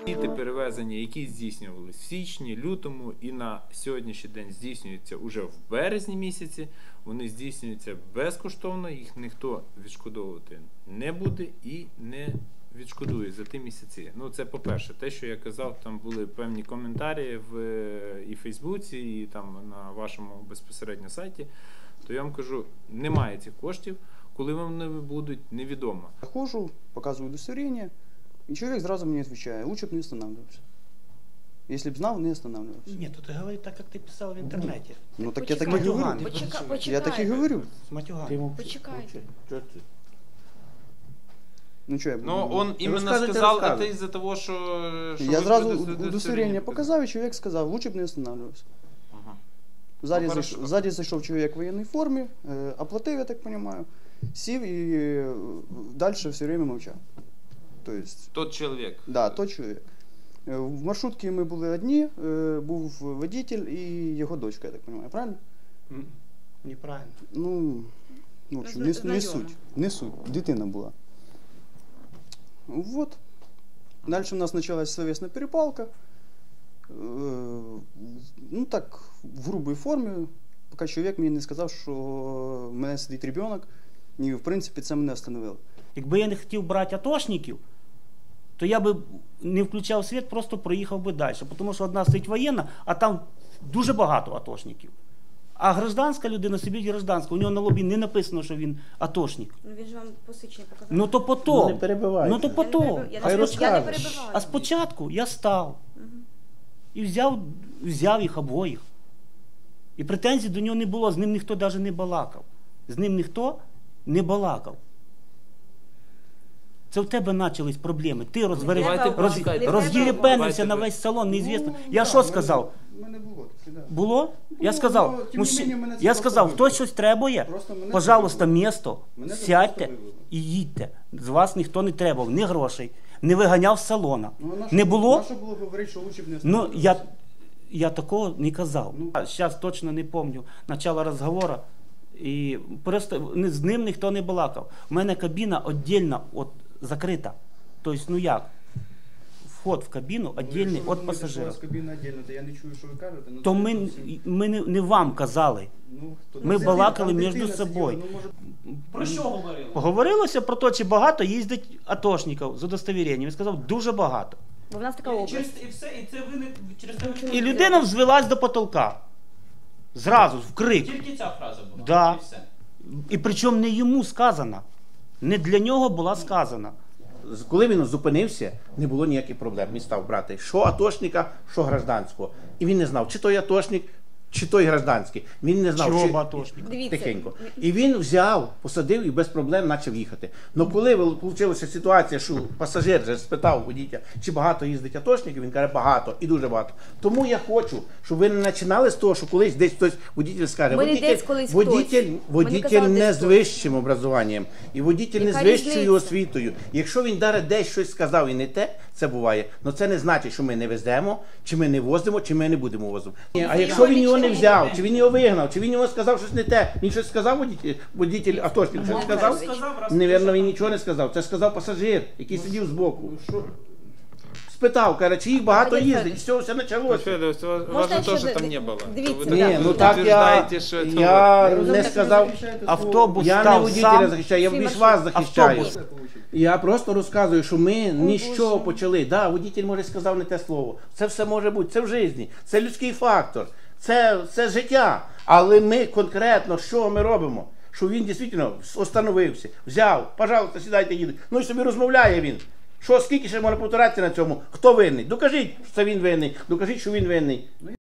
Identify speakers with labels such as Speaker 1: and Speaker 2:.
Speaker 1: Ті перевезення, які здійснювалися в січні, лютому і на сьогоднішній день здійснюються уже в березні місяці, вони здійснюються безкоштовно, їх ніхто відшкодовувати не буде і не відшкодує за ті місяці. Ну, це по-перше. Те, що я казав, там були певні коментарі і в Фейсбуці, і там на вашому безпосередньо сайті, то я вам кажу, немає цих коштів, коли вони будуть, невідомо.
Speaker 2: Я хожу, показываю удостоверение, и человек сразу мне отвечает: лучше бы не останавливался. Если бы знал, не останавливался.
Speaker 3: Нет, ты говори так, как ты писал в интернете.
Speaker 2: Ну так я так и говорю. Я так и говорю.
Speaker 3: С матюгами.
Speaker 4: Почекайте.
Speaker 2: Ну что я буду?
Speaker 1: Ну, он именно
Speaker 2: Рассказывайте,
Speaker 1: сказал это
Speaker 2: рассказывайте.
Speaker 1: из-за того, что
Speaker 2: Я
Speaker 1: вы
Speaker 2: сразу
Speaker 1: удостоверение
Speaker 2: удостоверение показал, и человек сказал: лучше бы не останавливался.
Speaker 1: Ага.
Speaker 2: Сзади, сзади зашел человек в военной форме, оплатил, я так понимаю, сів и дальше все время молчал. То есть,
Speaker 1: Тот человек.
Speaker 2: да, тот чоловік. В маршрутці ми були одні, був водитель і його дочка, я так розумію, правильно?
Speaker 3: Неправильно.
Speaker 2: Ну, в общем, не суть, дитина була. Вот. Дальше у нас почалась словесна перепалка. Ну так, в грубій формі, поки чоловік мені не сказав, що в мене сидить дитина, і в принципі це мене встановило.
Speaker 3: Якби я не хотів брати атошників, то я би не включав світ, просто проїхав би далі. Тому що одна стоїть воєнна, а там дуже багато атошників. А гражданська людина собі гражданська, у нього на лобі не написано, що він атошник.
Speaker 4: Ну він ж вам посвідчення показав.
Speaker 3: Ну то потом.
Speaker 5: Не перебивайте.
Speaker 3: Ну то потом.
Speaker 4: Я
Speaker 5: Хай
Speaker 4: не
Speaker 5: розкаже.
Speaker 4: перебиваю.
Speaker 3: А спочатку я став і взяв їх обоїх. І претензій до нього не було, з ним ніхто навіть не балакав. З ним ніхто не балакав. Це в тебе почались проблеми. Ти роз'єрепенився на весь салон, неізвісно. Я що сказав?
Speaker 2: У мене було таке, да.
Speaker 3: Було? Я
Speaker 2: Ну,
Speaker 3: сказав,
Speaker 2: ну, тим не менше, мене це
Speaker 3: я
Speaker 2: просто
Speaker 3: сказав,
Speaker 2: вибило.
Speaker 3: хтось щось требує,
Speaker 2: Просто мене
Speaker 3: пожалуйста,
Speaker 2: це вибило.
Speaker 3: місто,
Speaker 2: Мене це
Speaker 3: сядьте
Speaker 2: просто вибило.
Speaker 3: і їдьте. З вас ніхто не требував, ні грошей, не виганяв з салона.
Speaker 2: Ну,
Speaker 3: Не було?
Speaker 2: На що було говорити, що лучше б не
Speaker 3: Ну,
Speaker 2: останавливався?
Speaker 3: я такого не казав.
Speaker 2: Ну.
Speaker 3: Зараз точно не пам'ятаю начало розговору. І просто з ним ніхто не балакав. У мене кабіна віддільно закрита. Тобто, ну як? Вход в кабіну віддільний від пасажирів.
Speaker 2: Якщо кабіна віддільно, то я не чую, що ви кажете. Ну,
Speaker 3: То
Speaker 2: це
Speaker 3: ми
Speaker 2: зовсім-
Speaker 3: не вам казали.
Speaker 2: Ну, хто-
Speaker 3: ми
Speaker 2: Ну,
Speaker 3: балакали
Speaker 2: там
Speaker 3: між
Speaker 2: дитина
Speaker 3: собою.
Speaker 2: сиділа, ну, може,
Speaker 6: Про що говорили?
Speaker 3: Говорилося про те, чи багато їздить атошників з удостовіренням. Він сказав, дуже багато.
Speaker 4: Бо в нас така область.
Speaker 6: І все, і це ви не через те.
Speaker 3: І людина взвелась до потолка. Зразу, в крик.
Speaker 6: Тільки ця фраза була.
Speaker 3: Да.
Speaker 6: І все.
Speaker 3: І причому не йому сказана. Не для нього була сказана.
Speaker 5: Коли він зупинився, не було ніяких проблем. Він став брати що атошника, що гражданського. І він не знав, чи той атошник, чи той гражданський. Він не знав,
Speaker 3: Чого
Speaker 5: чи...
Speaker 3: атошник?
Speaker 4: Дивіться.
Speaker 5: Тихенько. І він взяв, посадив і без проблем почав їхати. Але коли вийшла ситуація, що пасажир же спитав водителя, чи багато їздить атошників, він каже, багато і дуже багато. Тому я хочу, щоб ви не починали з того, що колись десь хтось водитель скаже,
Speaker 4: Ми не десь колись хтось.
Speaker 5: водитель
Speaker 4: Ми не казали,
Speaker 5: не
Speaker 4: десь
Speaker 5: з
Speaker 4: хтось.
Speaker 5: вищим образуванням, і водитель не
Speaker 4: Яка
Speaker 5: з вищою
Speaker 4: різниця?
Speaker 5: освітою. Якщо він даже десь щось сказав і не те, це буває, але це не значить, що ми не веземо, чи ми не возимо, чи ми не будемо возити. А якщо він його не взяв, чи він його вигнав, чи він його сказав щось не те, він щось сказав водитель атошник, щось сказав? Невірно, він нічого не сказав. Це сказав пасажир, який сидів збоку. Спитав, каже, чи їх багато
Speaker 4: Валерій
Speaker 5: їздить, і все почалося.
Speaker 1: Федор, вас
Speaker 4: Можна
Speaker 1: же
Speaker 4: ще
Speaker 1: тоже
Speaker 4: до-
Speaker 1: там не было.
Speaker 4: дивіться,
Speaker 1: Вы
Speaker 4: да.
Speaker 5: Ні,
Speaker 1: так
Speaker 5: ну так
Speaker 1: утверждаете, что это
Speaker 5: я
Speaker 1: вот.
Speaker 5: не сказав,
Speaker 3: Автобус
Speaker 5: я не
Speaker 3: став
Speaker 5: водителя
Speaker 3: сам.
Speaker 5: захищаю, я
Speaker 4: Всі
Speaker 5: більш
Speaker 4: маршрути.
Speaker 5: вас захищаю.
Speaker 3: Автобус.
Speaker 5: Я просто розказую, що ми ні з чого почали. Да, водитель може сказав не те слово. Це все може бути, це в житті, це людський фактор, це життя. Але ми конкретно, що ми робимо? Що він дійсно остановився, взяв, пожалуйста, сідайте, їдуть. Ну і собі розмовляє він. Що, скільки ще можна повторятися на цьому? Хто винний? Докажіть, що це він винний, докажіть, що він винний.